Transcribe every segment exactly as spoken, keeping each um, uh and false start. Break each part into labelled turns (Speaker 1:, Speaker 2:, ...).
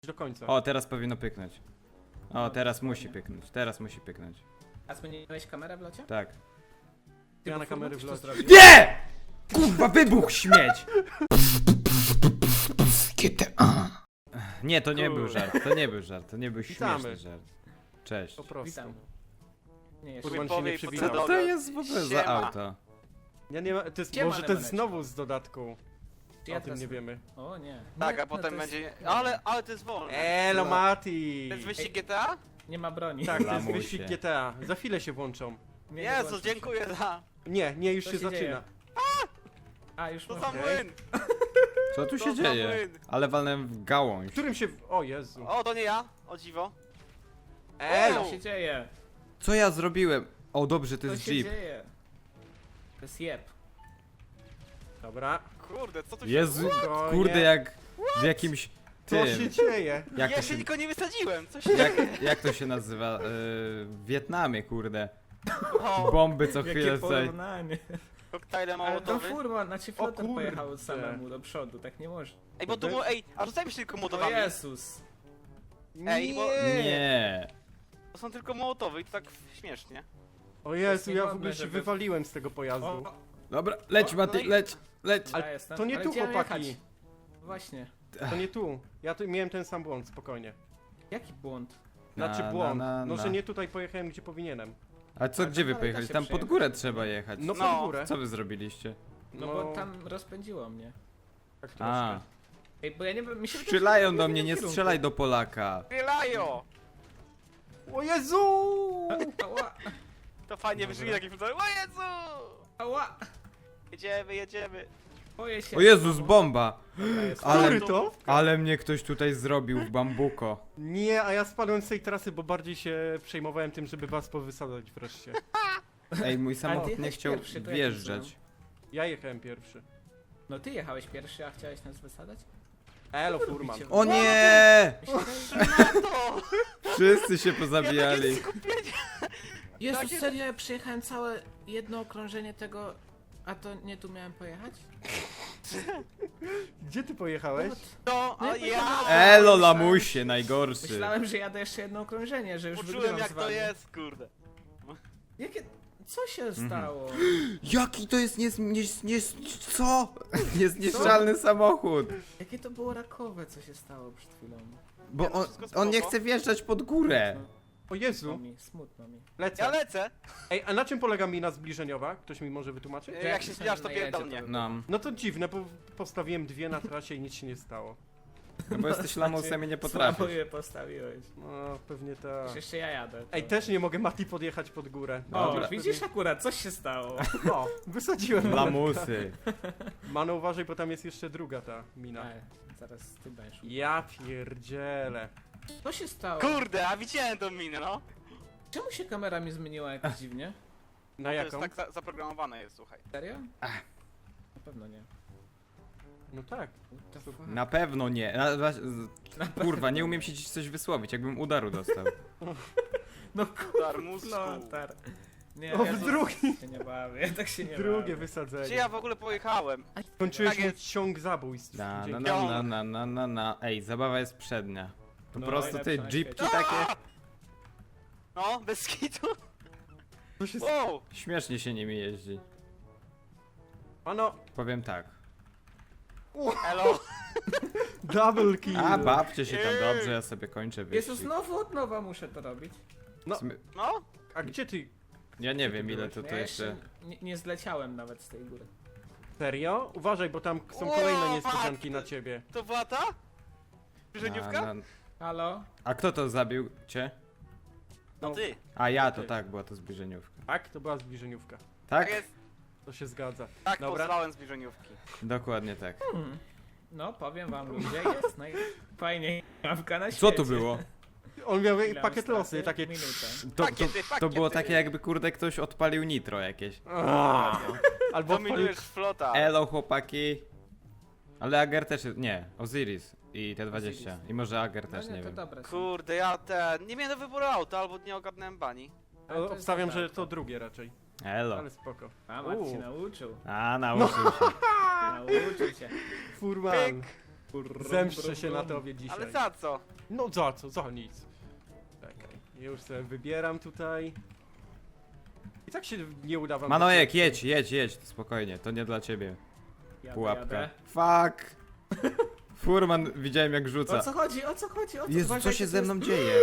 Speaker 1: do końca.
Speaker 2: O, teraz powinno pyknąć. O, teraz musi pyknąć, teraz musi pyknąć.
Speaker 3: A zmieniłeś kamerę w locie?
Speaker 2: Tak.
Speaker 3: Ty
Speaker 1: Ja
Speaker 3: bo
Speaker 1: na kamery
Speaker 3: Furman
Speaker 1: w
Speaker 3: to
Speaker 1: locie.
Speaker 3: zrobił?
Speaker 2: Nie! Kurwa, wybuch śmieć!
Speaker 4: G T A.
Speaker 2: Nie, to nie
Speaker 1: Kur-
Speaker 2: był żart, to nie był żart, to nie był
Speaker 1: Witamy.
Speaker 2: śmieszny żart. Cześć.
Speaker 1: Po prostu.
Speaker 3: Witam. Nie, jeszcze.
Speaker 1: Furman się
Speaker 5: Powie
Speaker 1: nie
Speaker 5: i po
Speaker 1: przywitał.
Speaker 5: co
Speaker 2: Co to jest w ogóle za
Speaker 5: Siema.
Speaker 2: auto?
Speaker 1: Ja nie ma, to jest,
Speaker 3: Siema,
Speaker 1: może to jest
Speaker 3: Nemaneczko.
Speaker 1: znowu z dodatku.
Speaker 3: Ja
Speaker 1: O tym
Speaker 3: teraz-
Speaker 1: nie wiemy.
Speaker 3: O nie.
Speaker 5: Tak,
Speaker 3: Nie,
Speaker 5: a potem
Speaker 3: no to jest-
Speaker 5: będzie... Ale, ale to jest wolne.
Speaker 1: Elo Mati!
Speaker 5: To jest wyścig G T A?
Speaker 3: Nie ma broni.
Speaker 1: Tak, to jest
Speaker 2: Lamusie.
Speaker 1: wyścig G T A. Za chwilę się włączą.
Speaker 3: Nie, nie
Speaker 5: Jezu,
Speaker 3: włączy się.
Speaker 5: dziękuję za...
Speaker 1: Nie, nie, już
Speaker 3: Co
Speaker 1: się,
Speaker 3: się
Speaker 1: zaczyna.
Speaker 3: dzieje? A, już
Speaker 5: To
Speaker 3: można.
Speaker 5: za
Speaker 1: Okej.
Speaker 5: młyn!
Speaker 2: Co tu
Speaker 5: To
Speaker 2: się
Speaker 5: za
Speaker 2: dzieje?
Speaker 5: młyn.
Speaker 2: Ale walnąłem w gałąź.
Speaker 1: Którym się... O Jezu.
Speaker 5: O, to nie ja, o dziwo.
Speaker 1: Elo!
Speaker 3: Co się dzieje?
Speaker 2: Co ja zrobiłem? O, dobrze, to
Speaker 3: Co
Speaker 2: jest
Speaker 3: się
Speaker 2: Jeep.
Speaker 3: dzieje? To jest jeb.
Speaker 1: Dobra.
Speaker 5: Kurde, co tu się...
Speaker 2: Jezu,
Speaker 1: Spokojnie.
Speaker 2: kurde, jak w jakimś
Speaker 1: Co się
Speaker 2: tym.
Speaker 1: dzieje?
Speaker 2: Jak
Speaker 5: Ja
Speaker 2: to
Speaker 5: się
Speaker 2: się,
Speaker 5: tylko nie wysadziłem, co się...
Speaker 2: jak, jak to się nazywa? Yy, w Wietnamie, kurde.
Speaker 5: O,
Speaker 2: Bomby co
Speaker 3: Jakie
Speaker 2: chwilę tutaj.
Speaker 3: porównanie.
Speaker 5: koktajle
Speaker 3: Ale to
Speaker 5: mołotowy.
Speaker 3: Furman, znaczy Flotar
Speaker 1: kurde.
Speaker 3: pojechał samemu do przodu, tak nie może.
Speaker 5: Ej, bo tu... mu- Ej, a rzucajmy się tylko
Speaker 3: O
Speaker 5: mołotowami.
Speaker 3: Jezus.
Speaker 5: Ej, bo-
Speaker 2: Nie.
Speaker 5: To są tylko mołotowy i to tak śmiesznie.
Speaker 1: O Jezu, ja w
Speaker 3: niegodne,
Speaker 1: ogóle się
Speaker 3: żeby-
Speaker 1: wywaliłem z tego pojazdu.
Speaker 3: O,
Speaker 2: Dobra, leć
Speaker 3: O,
Speaker 2: Mati,
Speaker 5: no i-
Speaker 2: leć, leć.
Speaker 1: Ale
Speaker 3: ja jestem.
Speaker 1: to nie
Speaker 3: Ale
Speaker 1: tu,
Speaker 3: gdzie mam
Speaker 1: chłopaki.
Speaker 3: jechać? Właśnie.
Speaker 1: To nie tu. Ja tu miałem ten sam błąd, spokojnie.
Speaker 3: Jaki błąd?
Speaker 1: Znaczy
Speaker 2: Na,
Speaker 1: błąd.
Speaker 2: na, na,
Speaker 1: No,
Speaker 2: na.
Speaker 1: że nie tutaj pojechałem, gdzie powinienem.
Speaker 2: A co,
Speaker 3: A
Speaker 2: gdzie
Speaker 3: tam
Speaker 2: wy
Speaker 3: dalej da
Speaker 2: pojechali?
Speaker 3: się
Speaker 2: Tam pod
Speaker 3: przejechać.
Speaker 2: górę trzeba jechać.
Speaker 1: No pod
Speaker 5: No.
Speaker 1: górę.
Speaker 2: Co wy zrobiliście?
Speaker 3: No, bo tam rozpędziło mnie.
Speaker 1: Tak troszkę.
Speaker 2: A,
Speaker 3: Ej, bo ja nie wiem, mi się wydaje,
Speaker 2: strzelają
Speaker 3: że
Speaker 2: do
Speaker 3: w
Speaker 2: mnie, nie
Speaker 3: innym kierunku.
Speaker 2: strzelaj do Polaka.
Speaker 5: Strzelają!
Speaker 1: O Jezu!
Speaker 3: Ała,
Speaker 5: To fajnie
Speaker 1: Dobra.
Speaker 5: wyszli taki film. O Jezu!
Speaker 3: ała.
Speaker 5: Jedziemy, jedziemy.
Speaker 3: Boję się.
Speaker 2: O Jezus, bomba!
Speaker 3: Dobra, jest.
Speaker 2: Ale,
Speaker 1: Który to?
Speaker 2: ale mnie ktoś tutaj zrobił w bambuko.
Speaker 1: Nie, a ja spadłem z tej trasy, bo bardziej się przejmowałem tym, żeby was powysadzać wreszcie.
Speaker 2: Ej, mój
Speaker 3: Ale
Speaker 2: samochód
Speaker 3: ty
Speaker 2: nie
Speaker 3: jechałeś
Speaker 2: chciał
Speaker 3: pierwszy, to jak
Speaker 2: wjeżdżać.
Speaker 1: Ja jechałem pierwszy.
Speaker 3: No ty jechałeś pierwszy, a chciałeś nas wysadać?
Speaker 1: Elo,
Speaker 3: Co
Speaker 1: Furman.
Speaker 3: robicie?
Speaker 2: O nie!
Speaker 3: Mi się wydaje-
Speaker 5: To!
Speaker 2: Wszyscy się
Speaker 5: Ja
Speaker 2: pozabijali.
Speaker 5: takie skupienie.
Speaker 3: Jezus,
Speaker 5: Takie-
Speaker 3: serio, ja przejechałem całe jedno okrążenie tego, a to nie tu miałem pojechać?
Speaker 1: Gdzie ty pojechałeś?
Speaker 3: What?
Speaker 5: No,
Speaker 3: No
Speaker 5: a
Speaker 3: ja
Speaker 5: ja...
Speaker 2: Elo, lamusie, najgorszy.
Speaker 3: Myślałem, że jadę jeszcze jedno okrążenie, że już
Speaker 5: Poczułem
Speaker 3: wygrywam
Speaker 5: jak
Speaker 3: z
Speaker 5: to
Speaker 3: wami.
Speaker 5: jest, kurde.
Speaker 3: Jakie... Co się stało?
Speaker 2: Jaki to jest nies... nies... nies... co? Niezniszczalny samochód.
Speaker 3: Jakie to było rakowe, co się stało przed chwilą?
Speaker 2: Bo
Speaker 5: Nie, no
Speaker 2: on,
Speaker 5: wszystko
Speaker 2: on nie
Speaker 5: spoko.
Speaker 2: chce wjeżdżać pod górę.
Speaker 1: O
Speaker 3: Smutno
Speaker 1: Jezu,
Speaker 3: mi, smutno mi.
Speaker 1: lecę.
Speaker 5: Ja lecę.
Speaker 1: Ej, a na czym polega mina zbliżeniowa? Ktoś mi może wytłumaczyć?
Speaker 5: Jak
Speaker 3: jak
Speaker 5: się
Speaker 3: się
Speaker 5: zbliżasz, to
Speaker 3: najedzie,
Speaker 5: pierdol
Speaker 3: to
Speaker 5: mnie.
Speaker 3: by-
Speaker 2: No,
Speaker 1: No to dziwne, bo postawiłem dwie na trasie i nic się nie stało.
Speaker 2: no bo jesteś lamusem i nie potrafisz.
Speaker 3: Słabo je postawiłeś.
Speaker 1: No, pewnie tak.
Speaker 3: Już jeszcze ja jadę. to-
Speaker 1: Ej, też nie mogę Mati podjechać pod górę.
Speaker 3: O,
Speaker 2: Dobra.
Speaker 3: widzisz akurat, coś się stało.
Speaker 1: O, wysadziłem.
Speaker 2: Lamusy.
Speaker 1: Mano, uważaj, bo tam jest jeszcze druga ta mina.
Speaker 3: Ej, zaraz ty będziesz.
Speaker 1: Ja pierdzielę.
Speaker 3: Co się stało?
Speaker 5: Kurde, a widziałem tą minę, no.
Speaker 3: Czemu się kamera mi zmieniła jakoś dziwnie?
Speaker 1: Na
Speaker 5: To jest
Speaker 1: jaką?
Speaker 5: tak za zaprogramowane jest, słuchaj.
Speaker 3: Serio?
Speaker 2: Ach.
Speaker 3: Na pewno nie.
Speaker 1: No tak.
Speaker 3: What the fuck?
Speaker 2: Na pewno nie. Na, na, z- kurwa, nie umiem się dziś coś wysłowić, jakbym udaru dostał.
Speaker 3: No
Speaker 5: Darmusku.
Speaker 3: Flotar. Nie,
Speaker 1: O,
Speaker 3: ja
Speaker 1: w
Speaker 3: to-
Speaker 1: drugi.
Speaker 3: się nie bawię, ja tak się nie
Speaker 1: Drugie
Speaker 3: bawię.
Speaker 1: wysadzenie.
Speaker 5: Gdzie ja w ogóle pojechałem?
Speaker 1: Skończyłeś
Speaker 5: Tak
Speaker 1: mój
Speaker 5: jest.
Speaker 1: ciąg zabójstw.
Speaker 2: Na, na,
Speaker 1: Dzięki.
Speaker 2: na, na, na, na, na, na. Ej, zabawa jest przednia. Po
Speaker 3: No,
Speaker 2: prostu ty,
Speaker 3: najlepsza na
Speaker 2: jeepki
Speaker 3: świecie.
Speaker 2: takie.
Speaker 5: No, bez kitu.
Speaker 1: Co się
Speaker 5: Wow.
Speaker 2: Śmiesznie się nimi jeździ.
Speaker 1: Ano,
Speaker 2: Powiem tak.
Speaker 5: Elo.
Speaker 1: double kill.
Speaker 2: A, bawcie się tam dobrze, ja sobie kończę
Speaker 3: Jezu,
Speaker 2: wyścig.
Speaker 3: znowu od nowa muszę to robić.
Speaker 1: No.
Speaker 2: W sumie-
Speaker 5: No?
Speaker 1: A gdzie ty?
Speaker 2: Ja nie wiem ile to,
Speaker 3: Ja
Speaker 2: to jeszcze...
Speaker 3: Nie, nie zleciałem nawet z tej góry.
Speaker 1: Serio? Uważaj, bo tam są
Speaker 5: O,
Speaker 1: kolejne niespodzianki
Speaker 5: matko.
Speaker 1: na ciebie.
Speaker 5: To była ta? Żeniówka?
Speaker 2: Na, na...
Speaker 3: Halo?
Speaker 2: A kto to zabił cię?
Speaker 5: No ty.
Speaker 2: A ja to
Speaker 1: Ty.
Speaker 2: tak, była to zbliżeniówka.
Speaker 1: Tak, to była zbliżeniówka.
Speaker 2: Tak?
Speaker 5: Tak jest.
Speaker 1: To się zgadza.
Speaker 5: Tak,
Speaker 1: Dobra.
Speaker 5: pozwałem zbliżeniówki.
Speaker 2: Dokładnie tak.
Speaker 3: Hmm. No, powiem wam ludzie, jest najfajniej mapka na świecie.
Speaker 2: Co tu było?
Speaker 1: On miał
Speaker 3: Ile
Speaker 1: pakiet
Speaker 3: mam
Speaker 1: losy,
Speaker 3: straty?
Speaker 1: takie...
Speaker 3: Minutę.
Speaker 2: To, to,
Speaker 5: Pakiety,
Speaker 2: to
Speaker 5: pakiety.
Speaker 2: było takie jakby kurde ktoś odpalił nitro jakieś.
Speaker 1: Aaa. Albo odpalił...
Speaker 5: Dominujesz flota.
Speaker 2: Elo chłopaki. Ale Ager też jest... Nie, Osiris i T dwadzieścia.
Speaker 3: Osiris.
Speaker 2: I może Ager
Speaker 3: No
Speaker 2: też,
Speaker 3: nie,
Speaker 2: nie
Speaker 3: to
Speaker 2: wiem.
Speaker 3: dobre są.
Speaker 5: Kurde, ja ten... Nie miałem do wyboru auta, albo nie ogarnąłem bani.
Speaker 3: Ale to jest
Speaker 1: Obstawiam,
Speaker 3: dobre
Speaker 1: że
Speaker 3: auto.
Speaker 1: to drugie raczej.
Speaker 2: Elo.
Speaker 1: Ale spoko.
Speaker 3: A, Mat się
Speaker 1: Uuu.
Speaker 3: nauczył.
Speaker 2: A, nauczył się.
Speaker 3: Nauczył się.
Speaker 1: Furman.
Speaker 5: Pyk.
Speaker 1: Zemszczę się na tobie dzisiaj.
Speaker 5: Ale za co?
Speaker 1: No za co, za nic. Czekaj, już sobie wybieram tutaj. I tak się nie uda wam...
Speaker 2: Manojek, jedź, jedź, jedź, spokojnie, to nie dla ciebie.
Speaker 4: Jadę,
Speaker 2: Pułapka.
Speaker 4: jadę.
Speaker 2: Fuck! Furman widziałem jak
Speaker 4: O
Speaker 2: rzuca.
Speaker 4: co chodzi, o co chodzi, o co
Speaker 2: Jezu,
Speaker 4: uważaj,
Speaker 2: co się
Speaker 4: to
Speaker 2: ze
Speaker 4: jest-
Speaker 2: mną dzieje?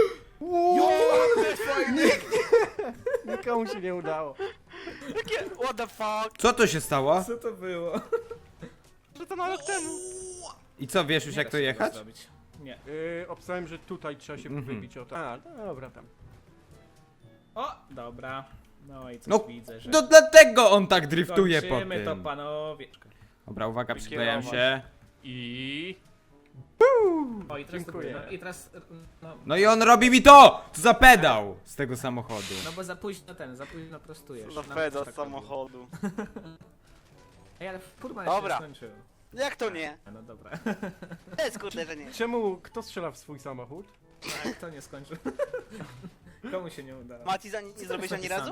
Speaker 1: Nikomu się nie udało.
Speaker 5: Jakie? What the fuck?
Speaker 2: Co to się stało?
Speaker 4: Co to było?
Speaker 5: Że to na rok temu.
Speaker 2: I co, wiesz już
Speaker 4: Nie
Speaker 2: jak
Speaker 4: da
Speaker 2: to
Speaker 4: się
Speaker 2: jechać?
Speaker 4: tego zrobić. Nie.
Speaker 1: Yy, obstałem, że tutaj trzeba się
Speaker 2: Mhm.
Speaker 1: wybić o to. A, dobra tam.
Speaker 4: O, dobra. No i coś
Speaker 2: No,
Speaker 4: widzę, że...
Speaker 2: No dlatego on tak driftuje po
Speaker 4: Kończymy to,
Speaker 2: tym.
Speaker 4: panowie.
Speaker 2: Dobra, uwaga, przyklejam
Speaker 5: Wykierować.
Speaker 2: się.
Speaker 1: I...
Speaker 4: O, i teraz
Speaker 1: Dziękuję.
Speaker 4: To, no, I teraz... No,
Speaker 2: No i on robi mi to! Co za pedał z tego samochodu.
Speaker 4: no bo za późno ten, za późno prostujesz.
Speaker 5: Co za
Speaker 4: Nam
Speaker 5: peda
Speaker 4: też
Speaker 5: z
Speaker 4: tak robi.
Speaker 5: samochodu.
Speaker 4: Ej, ale furman
Speaker 5: Dobra.
Speaker 4: się skończył.
Speaker 5: Jak to nie?
Speaker 4: No dobra.
Speaker 5: To jest kurde, że nie.
Speaker 1: Czemu, kto strzela w swój samochód?
Speaker 4: Tak, to nie skończył. Komu się nie udało?
Speaker 5: Mati, za nie, nie zrobiłeś ani razu?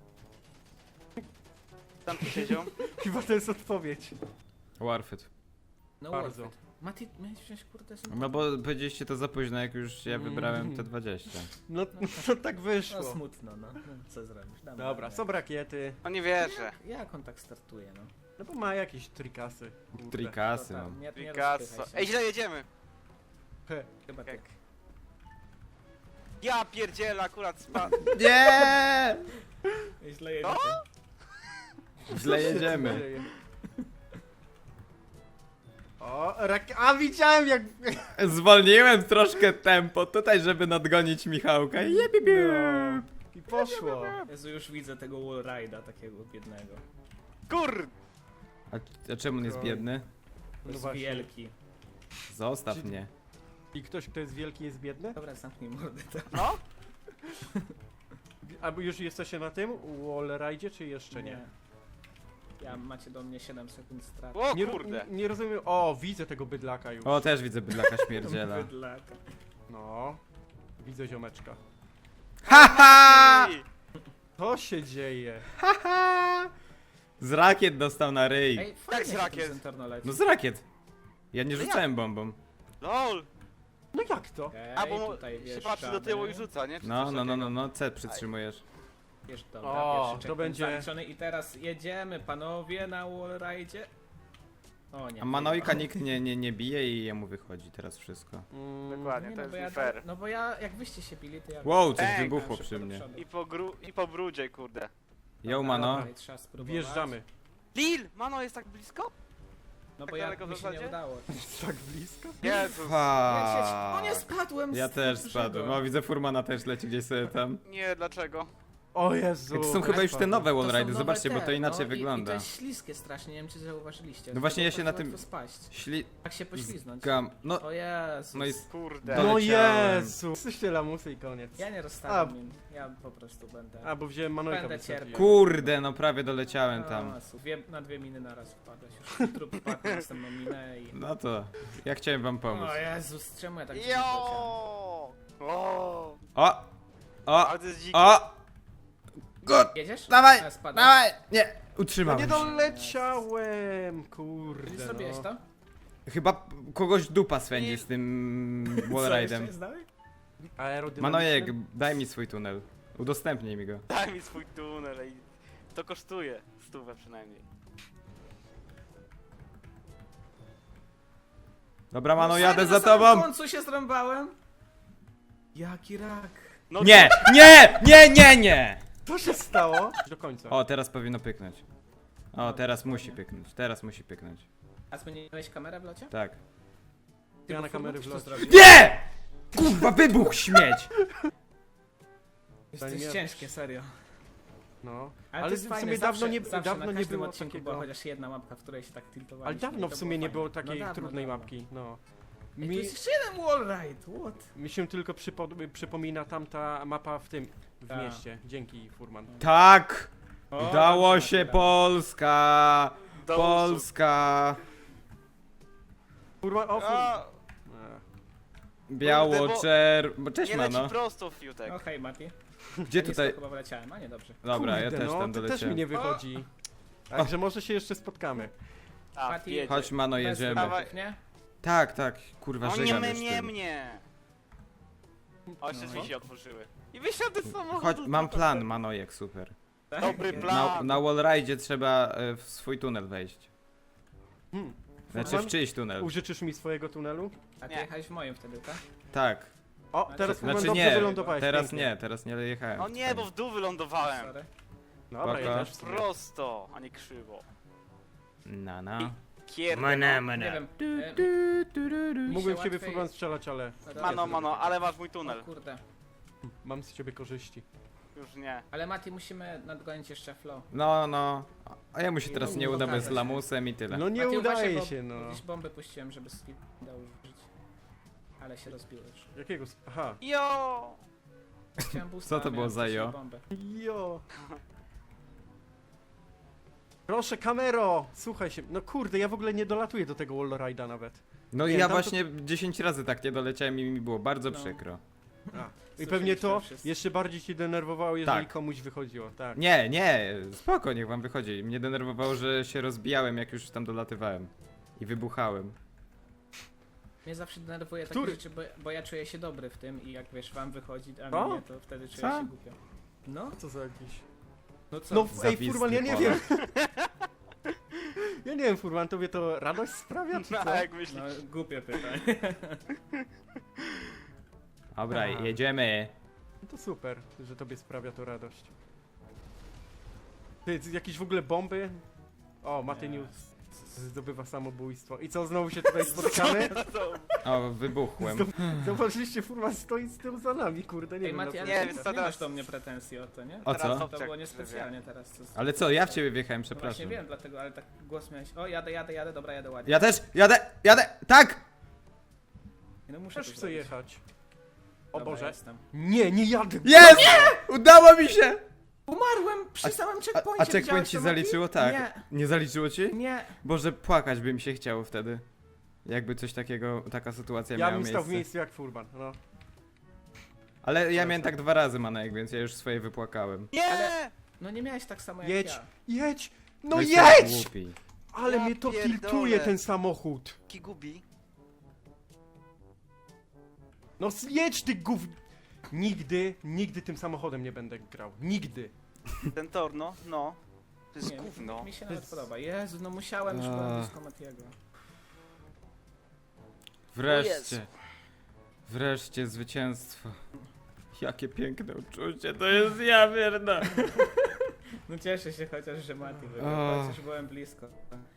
Speaker 5: Tam tu siedział.
Speaker 1: Chyba to jest odpowiedź.
Speaker 2: Worth it.
Speaker 4: No
Speaker 1: Bardzo.
Speaker 4: worth it. Mati, miałeś wziąć kurde sobie...
Speaker 2: No bo powiedzieliście to za późno, jak już ja wybrałem te dwadzieścia.
Speaker 1: No, no tak
Speaker 4: No
Speaker 1: wyszło.
Speaker 4: smutno, no. no co zrobisz? Damy
Speaker 1: Dobra,
Speaker 4: radę.
Speaker 1: są rakiety.
Speaker 5: No nie wierzę.
Speaker 4: Jak on tak startuje, no?
Speaker 1: No bo ma jakieś trikasy. Kurde.
Speaker 2: Trikasy,
Speaker 4: To
Speaker 2: no.
Speaker 4: tam, nie, nie
Speaker 5: Picasso.
Speaker 4: rozpychaj się.
Speaker 5: Ej, źle jedziemy.
Speaker 1: He.
Speaker 4: Chyba ty.
Speaker 5: Jak? Ja pierdzielę, akurat spadł.
Speaker 2: Nie!
Speaker 4: Źle jedziecie.
Speaker 2: Źle
Speaker 1: Co się
Speaker 2: jedziemy.
Speaker 1: tu dzieje? O, rak... A widziałem jak...
Speaker 2: Zwolniłem troszkę tempo tutaj, żeby nadgonić Michałka. Jebibiu.
Speaker 1: I poszło.
Speaker 4: Jezu, już widzę tego wallride'a takiego biednego.
Speaker 5: Kur...
Speaker 2: A, a czemu on jest biedny?
Speaker 1: No
Speaker 4: Jest
Speaker 1: właśnie.
Speaker 4: wielki.
Speaker 2: Zostaw
Speaker 1: Czy-
Speaker 2: mnie.
Speaker 1: I ktoś, kto jest wielki, jest biedny?
Speaker 4: Dobra, zamknij mordę. To.
Speaker 5: No?
Speaker 1: Albo już jesteście na tym wallride'zie, czy jeszcze nie?
Speaker 4: Ja macie do mnie siedem sekund straty.
Speaker 5: O
Speaker 1: Nie,
Speaker 5: kurde.
Speaker 1: nie, nie rozumiem. O, widzę tego bydlaka już.
Speaker 2: O, też widzę bydlaka śmierdziela.
Speaker 4: Bydlaka.
Speaker 1: No. Widzę ziomeczka.
Speaker 2: Haha!
Speaker 5: I-
Speaker 1: Co się dzieje?
Speaker 2: Haha! Z rakiet dostał na ryj.
Speaker 4: Ej, fajnie
Speaker 5: z
Speaker 4: się
Speaker 5: rakiet?
Speaker 4: ten Zentorno leci.
Speaker 2: No z rakiet. Ja nie
Speaker 5: No
Speaker 2: rzucałem bombą.
Speaker 5: LOL.
Speaker 1: No jak to?
Speaker 4: Okej,
Speaker 5: A bo
Speaker 4: tutaj
Speaker 5: się patrzy do tyłu i rzuca, nie? Czy
Speaker 2: No,
Speaker 5: coś
Speaker 2: no, no,
Speaker 5: takiego?
Speaker 2: no, no, C przytrzymujesz.
Speaker 4: Wiesz, dobra,
Speaker 1: O,
Speaker 4: pierwszy
Speaker 1: to
Speaker 4: checkpoint
Speaker 1: będzie-
Speaker 4: zaliczony i teraz jedziemy, panowie, na wallride'zie. O nie.
Speaker 2: A Manojka nikt nie, nie, nie bije i jemu wychodzi teraz wszystko.
Speaker 1: Mm,
Speaker 5: Dokładnie,
Speaker 4: Nie,
Speaker 5: to
Speaker 4: no, bo
Speaker 5: jest
Speaker 4: ja,
Speaker 5: nie fair.
Speaker 4: no bo ja, jak wyście się bili, to ja...
Speaker 2: Wow, coś
Speaker 5: Ej,
Speaker 2: wybuchło
Speaker 4: szybko
Speaker 2: przy
Speaker 4: do
Speaker 2: mnie.
Speaker 4: przodu.
Speaker 5: I po, gru... I po brudzie, kurde.
Speaker 2: Yo, Mano.
Speaker 4: Dobra, trzeba spróbować.
Speaker 1: Wjeżdżamy.
Speaker 5: Lil! Mano jest tak blisko?
Speaker 4: No bo
Speaker 5: Tak
Speaker 4: ja,
Speaker 5: daleko w
Speaker 4: mi się nie
Speaker 5: zasadzie?
Speaker 4: udało.
Speaker 1: Tak blisko?
Speaker 5: Jezus.
Speaker 4: Lecieć.
Speaker 2: Fa.
Speaker 4: O nie, spadłem
Speaker 2: Ja
Speaker 4: z
Speaker 2: też
Speaker 4: dużego.
Speaker 2: spadłem. O, widzę Furmana też leci gdzieś sobie tam.
Speaker 5: Nie, dlaczego?
Speaker 1: O Jezu.
Speaker 2: To są chyba już te nowe
Speaker 4: To są
Speaker 2: wallride'y,
Speaker 4: nowe
Speaker 2: zobaczcie, bo
Speaker 4: te,
Speaker 2: to inaczej
Speaker 4: no, i- I
Speaker 2: wygląda.
Speaker 4: to jest śliskie strasznie, nie wiem czy zauważyliście.
Speaker 2: No właśnie
Speaker 4: Z
Speaker 2: ja
Speaker 4: tego
Speaker 2: się na
Speaker 4: bardzo
Speaker 2: tym-
Speaker 4: łatwo spaść.
Speaker 2: Śli...
Speaker 4: Tak się pośliznąć.
Speaker 2: Gam... No,
Speaker 4: O Jezus.
Speaker 2: no i...
Speaker 5: Kurde.
Speaker 2: Do-
Speaker 1: No
Speaker 2: doleciałem.
Speaker 1: Jezu. Jesteście lamusy i koniec.
Speaker 4: Ja nie rozstawiam im, ja po prostu będę...
Speaker 1: A, bo wziąłem Manojka.
Speaker 4: Będę
Speaker 1: wysadziłem.
Speaker 4: cierpiał.
Speaker 2: Kurde, no prawie doleciałem tam.
Speaker 4: O, su- dwie, na dwie miny naraz wpadłeś. Już trup wpadł na następną minę i...
Speaker 2: No to, ja chciałem wam pomóc.
Speaker 4: O Jezus, czemu ja tak dziwnie poleciałem?
Speaker 5: Jo! O!
Speaker 2: O! O!
Speaker 5: Ale to jest dzikie.
Speaker 2: O! Good!
Speaker 4: Jedziesz?
Speaker 2: Dawaj!
Speaker 4: A, spadłem.
Speaker 2: Dawaj! Nie!
Speaker 1: No
Speaker 2: Utrzymałem
Speaker 1: nie
Speaker 2: się.
Speaker 1: doleciałem,
Speaker 4: Czy
Speaker 1: kurde
Speaker 4: zrobiłeś
Speaker 1: no.
Speaker 4: to?
Speaker 2: Chyba p- kogoś dupa swędzi z tym
Speaker 4: Co, jeszcze
Speaker 2: wallride'em.
Speaker 4: jest dalej?
Speaker 1: Aerodynamiczny?
Speaker 2: Manojek, daj mi swój tunel. Udostępnij mi go.
Speaker 5: Daj mi swój tunel i... To kosztuje. Stówę przynajmniej.
Speaker 2: Dobra, Mano,
Speaker 4: Serio,
Speaker 2: jadę
Speaker 4: na
Speaker 2: za
Speaker 4: samym
Speaker 2: tobą!
Speaker 4: końcu się zrąbałem? Jaki rak.
Speaker 5: No
Speaker 2: Nie! Nie! Nie, nie, nie!
Speaker 1: Co się stało? Do końca.
Speaker 2: O, teraz powinno pyknąć. O, teraz musi pyknąć. Teraz musi pyknąć.
Speaker 4: A zmieniłeś kamerę w locie?
Speaker 2: Tak.
Speaker 1: Ja
Speaker 4: bo
Speaker 1: na kamery
Speaker 4: Furman
Speaker 1: w
Speaker 4: to
Speaker 1: locie.
Speaker 4: zrobił.
Speaker 2: Nie! Kurwa, wybuch śmieć!
Speaker 4: To
Speaker 1: nie
Speaker 4: jest
Speaker 1: wiesz.
Speaker 4: ciężkie, serio.
Speaker 1: No.
Speaker 4: Ale,
Speaker 1: Ale
Speaker 4: to jest
Speaker 1: w
Speaker 4: fajne,
Speaker 1: sumie
Speaker 4: zawsze,
Speaker 1: dawno nie,
Speaker 4: zawsze
Speaker 1: dawno
Speaker 4: na
Speaker 1: nie
Speaker 4: każdym
Speaker 1: było
Speaker 4: odcinku
Speaker 1: takiego...
Speaker 4: była chociaż jedna mapka, w której się tak tiltowaliśmy.
Speaker 1: Ale dawno
Speaker 4: i to
Speaker 1: w sumie nie
Speaker 4: fajne.
Speaker 1: było takiej
Speaker 4: No dawno,
Speaker 1: trudnej
Speaker 4: dawno.
Speaker 1: mapki, no.
Speaker 4: Ej,
Speaker 1: Mi,
Speaker 4: tu jest jeszcze jeden wallride, what?
Speaker 1: mi się tylko przypo, przypomina tamta mapa w tym, w
Speaker 4: Ta.
Speaker 1: mieście. Dzięki, Furman.
Speaker 2: Tak!
Speaker 4: O,
Speaker 2: Udało
Speaker 4: dobrze,
Speaker 2: się,
Speaker 4: dobra.
Speaker 2: Polska!
Speaker 5: Do
Speaker 2: Polska!
Speaker 1: Furman, o Furman.
Speaker 5: A,
Speaker 2: Biało,
Speaker 5: bo-
Speaker 2: czer... Bo cześć,
Speaker 5: nie leci
Speaker 2: Mano.
Speaker 5: prosto, Fiutek.
Speaker 4: No hej, Mati.
Speaker 2: Gdzie
Speaker 4: Nisko
Speaker 2: tutaj...
Speaker 4: chyba wyleciałem, a nie, dobrze.
Speaker 2: Dobra, ja
Speaker 1: Kurde,
Speaker 2: też
Speaker 1: no,
Speaker 2: tam
Speaker 1: to też mi
Speaker 2: doleciałem.
Speaker 1: nie wychodzi. Także może się jeszcze spotkamy.
Speaker 5: A,
Speaker 4: Mati,
Speaker 5: jedzie.
Speaker 2: Chodź, Mano,
Speaker 4: Bez
Speaker 2: jedziemy.
Speaker 5: Dawaj.
Speaker 4: wypadków, nie?
Speaker 2: Tak, tak, kurwa,
Speaker 5: O nie,
Speaker 2: żegam
Speaker 5: mnie,
Speaker 2: już
Speaker 5: mnie,
Speaker 2: tym.
Speaker 5: mnie. O, jeszcze
Speaker 4: No.
Speaker 5: drzwi się otworzyły. I wysiadł z samochodu.
Speaker 2: Chodź, mam plan, Manojek, super.
Speaker 4: Tak?
Speaker 5: Dobry
Speaker 2: Na,
Speaker 5: plan.
Speaker 2: na wallride'zie trzeba e, w swój tunel wejść.
Speaker 1: Hmm.
Speaker 2: Znaczy w
Speaker 1: Furman,
Speaker 2: czyjś tunel.
Speaker 1: użyczysz mi swojego tunelu?
Speaker 4: A ty
Speaker 5: Nie.
Speaker 4: jechałeś w moim wtedy, tak?
Speaker 2: Tak.
Speaker 1: O,
Speaker 4: Znaczy-
Speaker 1: teraz Furman
Speaker 2: Znaczy
Speaker 1: dobrze
Speaker 2: nie,
Speaker 1: wylądowałeś.
Speaker 2: teraz
Speaker 1: pięknie.
Speaker 2: nie, teraz nie jechałem.
Speaker 5: O nie, bo w dół wylądowałem.
Speaker 4: Sorry.
Speaker 1: Dobra,
Speaker 2: Spoko.
Speaker 1: jedziesz w sumie.
Speaker 5: Prosto, a nie krzywo.
Speaker 2: Na, na.
Speaker 5: Kierde.
Speaker 2: Mana,
Speaker 4: Nie
Speaker 2: mana.
Speaker 4: wiem. e,
Speaker 1: Mógłbym w ciebie
Speaker 4: łatwiej-
Speaker 1: Furman strzelać, ale
Speaker 5: Mano, mano, ale masz mój
Speaker 4: O
Speaker 5: tunel.
Speaker 4: kurde.
Speaker 1: mam z ciebie korzyści.
Speaker 5: Już nie.
Speaker 4: Ale Mati, musimy nadgonić jeszcze flow.
Speaker 2: No, no. A jemu się teraz
Speaker 4: I
Speaker 2: nie uda bez
Speaker 4: pokazać.
Speaker 2: lamusem i tyle.
Speaker 1: No nie
Speaker 4: Mati,
Speaker 1: udaje
Speaker 4: uważaj, bo
Speaker 1: się, no.
Speaker 4: Jakieś bomby puściłem, żeby skip dał użyć. Ale się rozbiły już.
Speaker 1: Jakiego... sp- Aha.
Speaker 5: Jo!
Speaker 4: Chciałem boosta,
Speaker 2: Co to
Speaker 4: a
Speaker 2: było
Speaker 4: miałem
Speaker 2: za
Speaker 4: wcześniej
Speaker 2: jo?
Speaker 4: bombę.
Speaker 1: Jo. Proszę, kamero! Słuchaj się. No kurde, ja w ogóle nie dolatuję do tego wallride'a nawet.
Speaker 2: No i
Speaker 1: Nie,
Speaker 2: ja
Speaker 1: tam to-
Speaker 2: właśnie dziesięć razy tak nie doleciałem i mi było bardzo
Speaker 4: No.
Speaker 2: przykro.
Speaker 1: A. I pewnie to
Speaker 4: wszyscy.
Speaker 1: jeszcze bardziej cię denerwowało, jeżeli
Speaker 2: Tak.
Speaker 1: komuś wychodziło. Tak.
Speaker 2: Nie, nie, spoko, niech wam wychodzi. Mnie denerwowało, że się rozbijałem, jak już tam dolatywałem. I wybuchałem.
Speaker 4: Mnie zawsze denerwuje takie
Speaker 1: Który?
Speaker 4: rzeczy, bo, bo ja czuję się dobry w tym i jak wiesz, wam wychodzi, a
Speaker 1: Co?
Speaker 4: mnie nie, to wtedy czuję
Speaker 2: Co?
Speaker 4: się głupio. No,
Speaker 1: Co za jakiś...
Speaker 4: no co?
Speaker 1: No ej,
Speaker 2: Zawistny
Speaker 1: Furman, ja nie
Speaker 2: Polak.
Speaker 1: wiem. Ja nie wiem, Furman, tobie to radość sprawia, czy
Speaker 5: No,
Speaker 1: co?
Speaker 5: jak myślisz?
Speaker 4: No, głupie pytanie.
Speaker 2: Dobra,
Speaker 1: Aha.
Speaker 2: jedziemy.
Speaker 1: No to super, że tobie sprawia to radość. Ty, jakieś w ogóle bomby? O, Matyniu zdobywa samobójstwo. I co, znowu się tutaj spotykamy?
Speaker 2: O, wybuchłem.
Speaker 1: Zdob- Zobaczyliście, Furman stoi z tyłu za nami, kurde, nie
Speaker 4: Ej,
Speaker 1: wiem
Speaker 4: Mati,
Speaker 1: na
Speaker 4: ale
Speaker 5: Nie,
Speaker 4: nie,
Speaker 5: więc
Speaker 4: nie,
Speaker 5: to
Speaker 4: nie
Speaker 5: teraz-
Speaker 4: masz do mnie pretensji o to, nie?
Speaker 2: O
Speaker 5: Teraz
Speaker 2: co?
Speaker 4: To było
Speaker 5: obciak
Speaker 4: niespecjalnie teraz. Co,
Speaker 2: Ale co, ja w ciebie wjechałem,
Speaker 4: no właśnie
Speaker 2: przepraszam.
Speaker 4: wiem, dlatego, ale tak głos miałeś. O, jadę, jadę, jadę, dobra, jadę ładnie.
Speaker 2: Ja też, jadę, jadę, tak!
Speaker 4: No muszę
Speaker 1: Też
Speaker 4: to
Speaker 1: chcę
Speaker 4: zrobić.
Speaker 1: jechać. O
Speaker 4: Dobra,
Speaker 1: Boże.
Speaker 4: Jestem.
Speaker 1: Nie, nie jadę.
Speaker 2: Jest! Udało mi się!
Speaker 4: Umarłem przy
Speaker 2: A-
Speaker 4: samym
Speaker 2: A,
Speaker 4: checkpoincie.
Speaker 2: a checkpoint
Speaker 4: widziałeś
Speaker 2: ci
Speaker 4: to, Mati?
Speaker 2: zaliczyło? Tak.
Speaker 4: Nie,
Speaker 2: Nie zaliczyło ci?
Speaker 4: nie.
Speaker 2: Boże, płakać by mi się chciało wtedy. Jakby coś takiego, taka sytuacja
Speaker 1: Ja
Speaker 2: miała
Speaker 1: bym
Speaker 2: miejsce.
Speaker 1: stał w miejscu jak Furman, no.
Speaker 2: Ale ja miałem tak dwa razy, Manek, więc ja już swoje wypłakałem.
Speaker 5: Nie!
Speaker 4: Ale- No nie miałeś tak samo jak
Speaker 1: Jedź.
Speaker 4: ja.
Speaker 1: Jedź! No
Speaker 2: jesteś
Speaker 1: jedź!
Speaker 2: Głupi.
Speaker 1: Ale
Speaker 5: Ja
Speaker 1: mnie to
Speaker 5: pierdolę.
Speaker 1: tiltuje ten samochód.
Speaker 5: Kigubi.
Speaker 1: No jedź ty gów... Nigdy, nigdy tym samochodem nie będę grał. Nigdy.
Speaker 5: Ten tor, no, no. To jest
Speaker 4: Nie,
Speaker 5: gówno.
Speaker 4: mi się nawet podoba. Jezu, no musiałem, już byłem
Speaker 2: Ach.
Speaker 4: blisko Matiego.
Speaker 2: Wreszcie. Wreszcie zwycięstwo. Jakie piękne uczucie, to jest ja, wierna.
Speaker 4: No cieszę się chociaż, że Mati
Speaker 2: Ach.
Speaker 4: wygrał, chociaż byłem blisko.